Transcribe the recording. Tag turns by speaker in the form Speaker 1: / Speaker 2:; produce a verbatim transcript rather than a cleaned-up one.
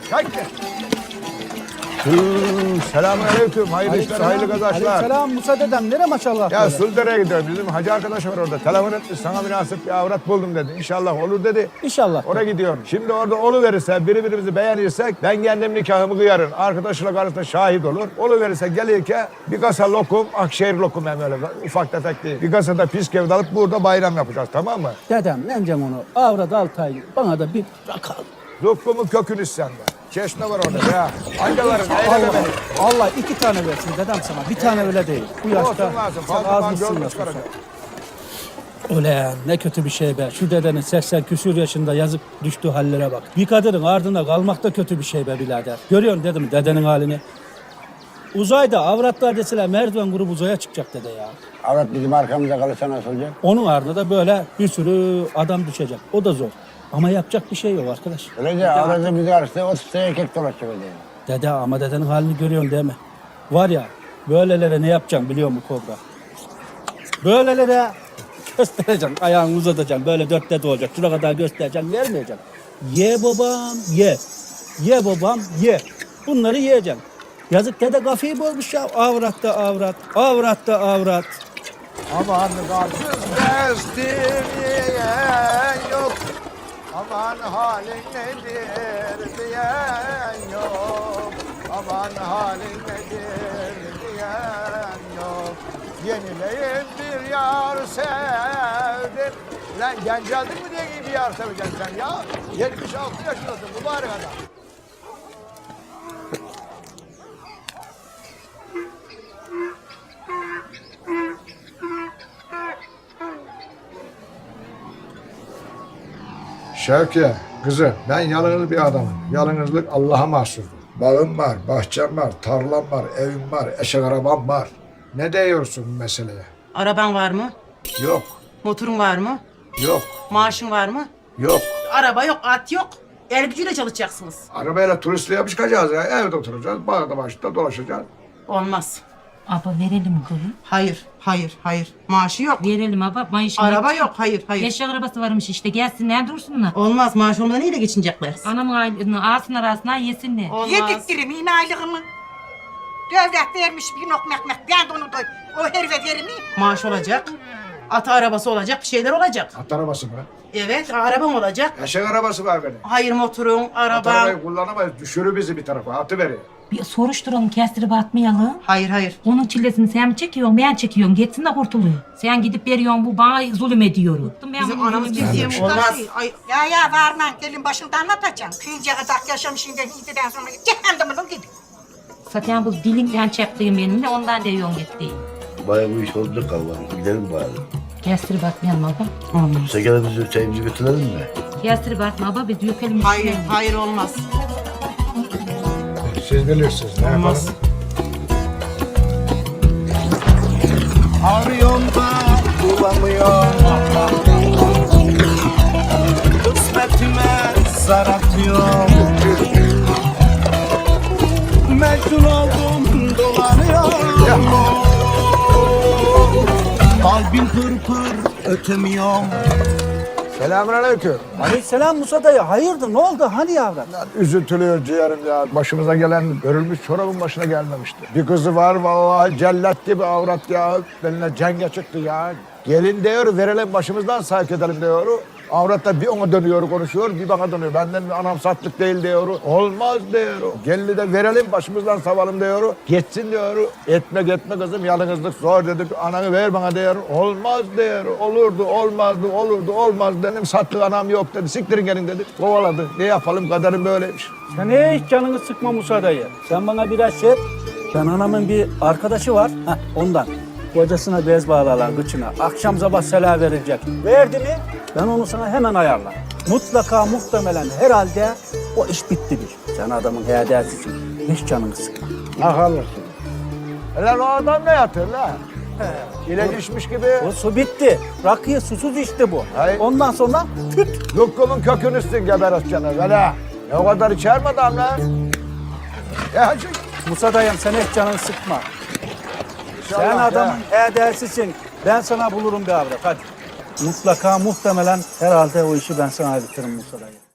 Speaker 1: Kalk gel. Selamünaleyküm. Hayırlı işler, hayırlı kazançlar.
Speaker 2: Aleykümselam Musa dedem. Nere maşallah?
Speaker 1: Ya Suldere'ye gidiyorum. Bizim hacı arkadaş var orada. Telefon etmiş, sana münasip bir avrat buldum dedi. İnşallah olur dedi.
Speaker 2: İnşallah.
Speaker 1: Oraya gidiyorum. Şimdi orada oluverirse, birbirimizi beğenirsek ben kendim nikahımı kıyarım. Arkadaşla karısına şahit olur. Oluverirse gelirken bir kasa lokum, Akşehir lokum hem öyle ufak tefek değil. Bir kasa da piskevit alıp burada bayram yapacağız, tamam mı?
Speaker 2: Dedem ne diyeceğim onu? Avrat altı ay. Bana da bir rakal.
Speaker 1: Lokumun kökünü sen de. Çeşme var orada ya. Ancaların eyleme
Speaker 2: Allah,
Speaker 1: beni.
Speaker 2: Allah iki tane versin dedem sana. Bir tane öyle değil. Bu yaşta
Speaker 1: Olsun lazım.
Speaker 2: sen
Speaker 1: Fazla
Speaker 2: az
Speaker 1: mal
Speaker 2: mısın
Speaker 1: gölge
Speaker 2: nasılsa.
Speaker 1: çıkaracak.
Speaker 2: Ulan ne kötü bir şey be. Şu dedenin seksen küsür yaşında yazık düştüğü hallere bak. Bir kadının ardında kalmak da kötü bir şey be birader. Görüyorsun dedim dedenin halini. Uzayda avratlar deseler merdiven grubu uzaya çıkacak dede ya.
Speaker 3: Avrat bizim arkamıza kalırsa nasıl olacak?
Speaker 2: Onun ardında da böyle bir sürü adam düşecek. O da zor. Ama yapacak bir şey yok arkadaş.
Speaker 3: Öylece avratı bizi karşıda otuz tane erkek dolaşacak öyle.
Speaker 2: Dede ama dedenin halini görüyorsun değil mi? Var ya böylelere ne yapacağım biliyor musun Kobra? Böylelere göstereceksin, ayağını uzatacaksın. Böyle dört dede olacak. Şuna kadar göstereceksin, vermeyeceksin. Ye babam, ye. Ye babam, ye. Bunları yiyeceksin. Yazık dede kafayı bozmuş ya. Avratta avrat, avratta avrat.
Speaker 1: Aman garsız destiyen yok. Aman halin nedir diyen yok. Aman halin nedir diyen yok. Yenileyin bir yar sevdim. Lan genç aldın mı diye bir yar seveceksin sen ya. yetmiş altı yaşındasın mübarek adam. Şevki, kızım ben yalnız bir adamım. Yalnızlık Allah'a mahsustur. Bağım var, bahçem var, tarlam var, evim var, eşek arabam var. Ne diyorsun bu meseleye?
Speaker 4: Araban var mı?
Speaker 1: Yok,
Speaker 4: Motorun var mı?
Speaker 1: yok,
Speaker 4: Maaşın var mı?
Speaker 1: yok.
Speaker 4: Araba yok, at yok. El gücüyle çalışacaksınız.
Speaker 1: Arabayla turistliğe çıkacağız ya. Evde oturacağız, bağda başta dolaşacağız.
Speaker 4: Olmaz.
Speaker 5: Abla verelim kızım.
Speaker 4: Hayır, hayır, hayır. Maaşı yok.
Speaker 5: Verelim abla. Maaşını
Speaker 4: Araba yok, hayır, hayır.
Speaker 5: Eşek arabası varmış işte. Gelsinler dursunlar.
Speaker 4: Olmaz, maaş olmadan neyle geçinecekler?
Speaker 5: Anamın ailesini alsınlar arasına yesinler.
Speaker 4: Olmaz.
Speaker 6: Yediktirim yine aylığımı. Devlet vermiş bir nok mekmek. Ben de onu da o herife verir miyim?
Speaker 4: Maaş olacak. Atı arabası olacak, bir şeyler olacak.
Speaker 1: At arabası mı?
Speaker 4: Evet, arabam olacak.
Speaker 1: Eşek arabası var benim.
Speaker 4: Hayır motorun,
Speaker 1: At
Speaker 4: araban.
Speaker 1: arabayı kullanamayız, düşürür bizi bir tarafa, atı veriyor.
Speaker 5: Bir soruşturalım kestirip atmayalım.
Speaker 4: Hayır, hayır.
Speaker 5: Onun çilesini sen mi çekiyorsun ben çekiyorum. Geçsin de kurtuluyor. Sen gidip veriyorsun bu bana zulüm ediyor. Ben
Speaker 4: Bizim
Speaker 5: bunu
Speaker 4: anamız
Speaker 5: zulüm
Speaker 4: bizim
Speaker 5: ediyorum.
Speaker 4: olmaz.
Speaker 6: Ay, ya ya varman gelin başında anlatacağım. Kıyınca kadar yaşamışım da gididen sonra cehennemine gidiyor.
Speaker 5: Zaten bu dilinden çektiğim benim de ondan diyorsun gittiğim.
Speaker 7: Bayağı bu iş olacak Allah'ım. Gidelim bari.
Speaker 5: Kestirip atmayalım abla.
Speaker 4: Olmaz.
Speaker 7: Sekerimizi çayımızı götürelim mi?
Speaker 5: Kestirip atma abla biz dökelim.
Speaker 4: Hayır,
Speaker 5: üstüne.
Speaker 4: hayır olmaz.
Speaker 1: Siz bilirsiniz, ne
Speaker 4: Olmaz.
Speaker 2: Arıyorum da bulamıyorum. Kısmetime zar atıyorum. Mecnun oldum dolanıyorum. Kalbim pır pır ötemiyorum.
Speaker 1: Selamünaleyküm.
Speaker 2: Aleykümselam Musa dayı. Hayırdır ne oldu hani yavrum?
Speaker 1: Üzüntülüyor ciğerim ya. Başımıza gelen görülmüş çorabın başına gelmemişti. Bir kızı var vallahi cellat gibi avrat ya. Benimle cenge çıktı ya. Gelin diyor verelim başımızdan sayık edelim diyor. Avratla bir ona dönüyor konuşuyor bir bana dönüyor. Benden anam satlık değil diyor. Olmaz diyor. Gelini de verelim başımızdan savalım diyor. Geçsin diyor. Etme etme kızım yalnızlık zor dedik. Ananı ver bana diyor. Olmaz diyor. Olurdu olmazdı olurdu olmaz dedim. Satlık anam yok dedi. Siktirin gelin dedi. Kovaladı. Ne yapalım kaderim böyleymiş.
Speaker 2: Sen hiç canını sıkma Musa dayı. Sen bana biraz şey et. Ben anamın bir arkadaşı var. Heh, ondan. Kocasına bez bağlarlar kıçına. Akşam sabah sela verilecek. Verdi mi ben onu sana hemen ayarlar. Mutlaka muhtemelen herhalde o iş bittidir. Sen adamın hediyesisin. Hiç canını sıkma.
Speaker 1: Akalırsın. Lan o adam ne yatır lan? İlaç içmiş gibi.
Speaker 2: O su bitti. Rakıya susuz içti bu.
Speaker 1: Hayır.
Speaker 2: Ondan sonra tüt.
Speaker 1: Lukkumun kökünü üstün geberes canı. Böyle. Ne o kadar içer mi adam lan? Ya hacı.
Speaker 2: Musa dayım sen hiç canını sıkma. Sen
Speaker 1: İnşallah
Speaker 2: adamın
Speaker 1: ya.
Speaker 2: hediyesisin. Ben sana bulurum bir avrat hadi. Mutlaka muhtemelen herhalde o işi ben sana bitiririm Musa dayı.